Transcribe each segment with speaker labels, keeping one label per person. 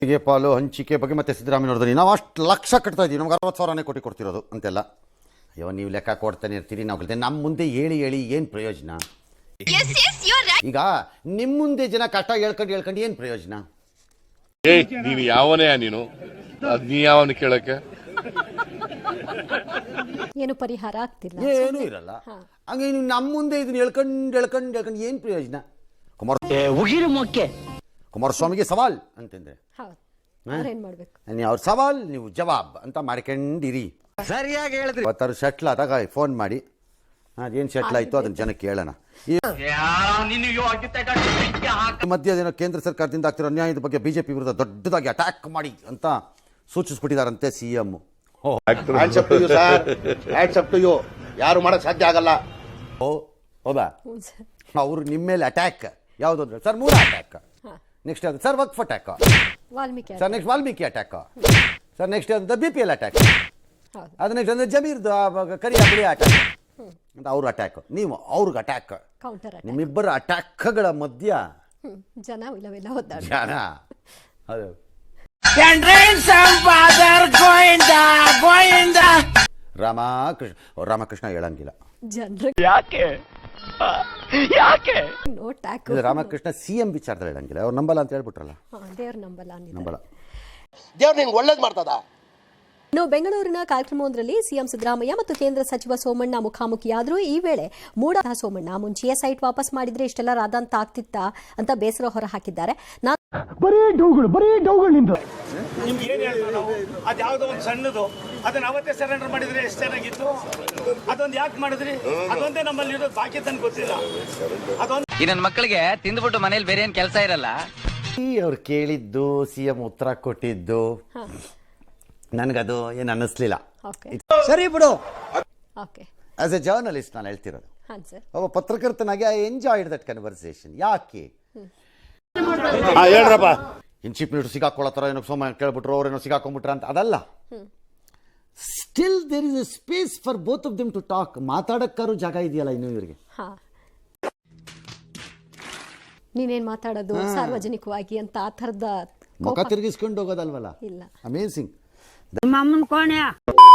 Speaker 1: ಹೀಗೆ ಪಾಲು ಹಂಚಿಕೆ ಬಗ್ಗೆ ಮತ್ತೆ ಸಿದ್ದರಾಮಯ್ಯವ್ರದ್ದು ನಾವು ಅಷ್ಟು ಲಕ್ಷ ಕಟ್ತಾ ಇದ್ದೀವಿ, ನಮ್ಗೆ 60,000ನೇ ಕೋಟಿ ಕೊಡ್ತಿರೋದು ಅಂತೆಲ್ಲ. ಅಯ್ಯೋ ನೀವು ಲೆಕ್ಕ ಕೊಡ್ತಾನೆ ಇರ್ತೀರಿ, ನಾವು ಕಲಿತೆ ನಮ್ಮ ಮುಂದೆ ಹೇಳಿ ಏನು ಪ್ರಯೋಜನ? ಈಗ ನಿಮ್ಮ ಮುಂದೆ ಜನ ಕಷ್ಟ ಹೇಳ್ಕೊಂಡು ಏನು ಪ್ರಯೋಜನ?
Speaker 2: ನೀನು ಯಾವನೇ ನೀನು ನೀ ಯಾವನು ಕೇಳಕ್ಕೆ
Speaker 3: ಏನು ಪರಿಹಾರ ಆಗ್ತಿಲ್ಲ,
Speaker 1: ಏನೂ ಇರಲ್ಲ. ಹಂಗೆ ನೀವು ನಮ್ಮ ಮುಂದೆ ಇದನ್ನ ಹೇಳ್ಕೊಂಡು ಏನು ಪ್ರಯೋಜನ? ಕುಮಾರಸ್ವಾಮಿಗೆ ಸವಾಲ್ ಅಂತಂದ್ರೆ ನೀವು ಅವ್ರ ಸವಾಲ್ ನೀವು ಜವಾಬ್ ಅಂತ ಮಾಡ್ಕೊಂಡಿರಿ.
Speaker 4: ಸರಿಯಾಗಿ ಹೇಳಿದ್ರಿ.
Speaker 1: ಇವತ್ತಾರು ಶಟ್ಲ್ ಆದಾಗ ಫೋನ್ ಮಾಡಿ ಅದೇನು ಶಟ್ಲ್ ಆಯಿತು ಅದನ್ನ ಜನಕ್ಕೆ ಹೇಳೋಣ. ಈ ಮಧ್ಯೆ ಅದೇನೋ ಕೇಂದ್ರ ಸರ್ಕಾರದಿಂದ ಆಗ್ತಿರೋ ಅನ್ಯಾಯದ ಬಗ್ಗೆ ಬಿಜೆಪಿ ವಿರುದ್ಧ ದೊಡ್ಡದಾಗಿ ಅಟ್ಯಾಕ್ ಮಾಡಿ ಅಂತ ಸೂಚಿಸ್ಬಿಟ್ಟಿದಾರಂತೆ ಸಿಎಂ.
Speaker 5: ಯಾರು ಮಾಡಕ್ ಸಾಧ್ಯ ಆಗಲ್ಲ.
Speaker 1: ಹೌದಾ? ಅವರು ನಿಮ್ಮ ಮೇಲೆ ಅಟ್ಯಾಕ್ ಯಾವುದು ಅಂದ್ರೆ ಸರ್ 3 ಅಟ್ಯಾಕ್, ನೆಕ್ಸ್ಟ್ ಅದು ಸರ್ ವಕ್ಫ್ attack, sir next Valmiki attack, sir next ಅದು BPL ಅಟ್ಯಾಕ್, ಅದು ನೆಕ್ಸ್ಟ್ ಅಂದ್ರೆ ಜಮೀರ್ದು ಕರಿಯ ಬಿಳಿ ಅಟ್ಯಾಕ್ ಅಂತ ಅವ್ರ ಅಟ್ಯಾಕ್. ನೀವು ಅವ್ರಿಗೆ ಅಟ್ಯಾಕ್, ನಿಮ್ಮಿಬ್ಬರ ಅಟ್ಯಾಕ್ಗಳ ಮಧ್ಯ
Speaker 3: ಜನ
Speaker 1: ಅದು ರಾಮಕೃಷ್ಣ ಹೇಳಂಗಿಲ್ಲ. ರಾಮಕೃಷ್ಣ ಸಿಎಂ ವಿಚಾರದಲ್ಲಿ ಹೇಳಂಗಿಲ್ಲ, ಅವ್ರು ನಂಬಲ್ಲ ಅಂತ ಹೇಳ್ಬಿಟ್ರಲ್ಲ. ನಂಬಲ್ಲ.
Speaker 5: ದೇವ್ರು ನಿಂಗೆ ಒಳ್ಳೇದು ಮಾಡ್ತದ.
Speaker 3: ಇನ್ನು ಬೆಂಗಳೂರಿನ ಕಾರ್ಯಕ್ರಮವೊಂದರಲ್ಲಿ ಸಿಎಂ ಸಿದ್ದರಾಮಯ್ಯ ಮತ್ತು ಕೇಂದ್ರ ಸಚಿವ ಸೋಮಣ್ಣ ಮುಖಾಮುಖಿಯಾದರೂ ಈ ವೇಳೆ ಮೂಡ ಸೋಮಣ್ಣ ಮುಂಚೆಯೇ ಸೈಟ್ ವಾಪಸ್ ಮಾಡಿದ್ರೆ ಇಷ್ಟೆಲ್ಲ ರಾದಂತ ಆಗ್ತಿತ್ತ ಅಂತ ಬೇಸರ ಹೊರ ಹಾಕಿದ್ದಾರೆ.
Speaker 6: ನಿಮ್ಗೆ ಏನ್ ಹೇಳ್ತಾರೆ ನಾವು, ಅದ್ಯಾವುದೋ ಒಂದು ಸಣ್ಣದು ಅದನ್ನ ಅವತ್ತೇ ಸರೆಂಡರ್ ಮಾಡಿದ್ರೆ ಎಷ್ಟು ಚೆನ್ನಾಗಿತ್ತು. ಅದೊಂದು ಯಾಕೆ ಮಾಡಿದ್ರಿ? ಅದೊಂದೇ ನಮ್ಮಲ್ಲಿ ಇರೋದು, ಬಾಕಿ ತನಕ ಗೊತ್ತಿಲ್ಲ. ಅದೊಂದು
Speaker 4: ಈ ನನ್ನ ಮಕ್ಕಳಿಗೆ ತಿಂದ್ಬಿಟ್ಟು ಮನೇಲಿ ಬೇರೆ ಏನ್ ಕೆಲಸ ಇರಲ್ಲ.
Speaker 1: ಅವ್ರು ಕೇಳಿದ್ದು ಸಿಎಂ ಉತ್ತರ ಕೊಟ್ಟಿದ್ದು ನನಗದು ಏನು ಅನ್ನಿಸ್ಲಿಲ್ಲ.
Speaker 4: ಸರಿ ಬಿಡು.
Speaker 1: ಆಸ್ ಎ ಜರ್ನಲಿಸ್ಟ್ ನಾನು ಹೇಳ್ತಿರೋದು, ಒಬ್ಬ ಪತ್ರಕರ್ತನಾಗಿ ಐ ಎಂಜಾಯ್ಡ್ ದಟ್ ಕನ್ವರ್ಸೇಷನ್. ಯಾಕೆ
Speaker 5: ಹೇಳ್ರಪ್ಪ,
Speaker 1: ಇನ್ ಚೀಫ್ ಮಿನಿಸ್ಟರ್ ಸಿಗಾಕೊಳ್ಳೋ ಏನೋ ಸೋಮ ಕೇಳ್ಬಿಟ್ರು, ಅವ್ರೇನೋ ಸಿಗಾಕೊಂಡ್ಬಿಟ್ರ ಅಂತ ಅದಲ್ಲ. Still there is a space for both of them to talk. ಮಾತಾಡಕ್ಕಾರು ಜಾಗ ಇದೆಯಲ್ಲ ಇನ್ನು ಇವರಿಗೆ.
Speaker 3: ನೀನೇನ್ ಮಾತಾಡೋದು ಸಾರ್ವಜನಿಕವಾಗಿ ಅಂತ ಆ ಥರದ
Speaker 1: ಮುಖ ತಿರುಗಿಸ್ಕೊಂಡು ಹೋಗೋದಲ್ವಲ್ಲ. ಇಲ್ಲ, ಅಮೇಸಿಂಗ್.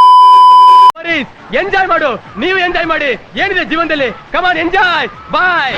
Speaker 7: ಎಂಜಾಯ್ ಮಾಡು, ನೀವು ಎಂಜಾಯ್ ಮಾಡಿ. ಏನಿದೆ ಜೀವನದಲ್ಲಿ, ಕಮಾನ್ ಎಂಜಾಯ್. ಬಾಯ್.